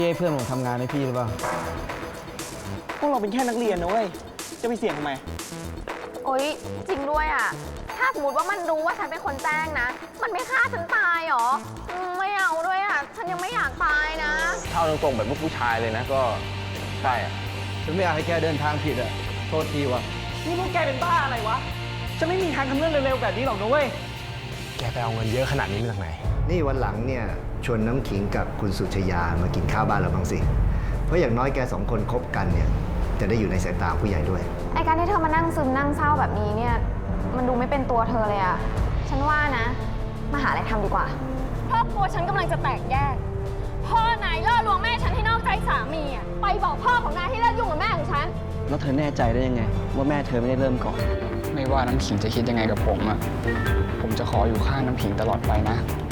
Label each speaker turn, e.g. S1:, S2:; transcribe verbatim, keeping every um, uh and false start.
S1: พี่ให้เพื่อนผมทำงานให้พี่หรือเปล่า
S2: พวกเราเป็นแค่นักเรียนนะเว้ยจะไปเสี่ยงทำไม
S3: โอ๊ยจริงด้วยอ่ะถ้าสมมติว่ามันรู้ว่าฉันเป็นคนแจ้งนะมันไม่ฆ่าฉันตายหรอไม่เอาด้วยอ่ะฉันยังไม่อยากตายนะ
S4: ถ้าเอาตรงๆแบบผู้ชายเลยนะก็ใช่อะ
S1: ฉันไม่อยากให้แกเดินทางผิดอะโทษทีว่ะ
S2: นี่พวกแกเป็นบ้าอะไรวะจะไม่มีทางทำเรื่องเร็วๆแบบนี้หรอกนะเว้ย
S4: แกไปเอาเงินเยอะขนาดนี้มาจากไหน
S5: นี่วันหลังเนี่ยชวนน้ำขิงกับคุณสุชยามากินข้าวบ้านเราบ้างสิเพราะอย่างน้อยแกสองคนคบกันเนี่ยจะได้อยู่ในสายตาผู้ใหญ่ด้วย
S3: ไอการที่เธอมานั่งซึมนั่งเศร้าแบบนี้เนี่ยมันดูไม่เป็นตัวเธอเลยอะฉันว่านะมาหาอะไรทำดีกว่า
S6: ครอบครัวฉันกำลังจะแตกแยกพ่อนายล่อลวงแม่ฉันให้นอกใจสามีอ่ะไปบอกพ่อของนายให้เลิกยุ่งกับแม่ของฉัน
S1: แล้วเธอแน่ใจได้ยังไงว่าแม่เธอไม่ได้เริ่มก่อน
S7: ไม่ว่าน้ำขิงจะคิดยังไงกับผมอะผมจะขออยู่ข้างน้ำขิงตลอดไปนะ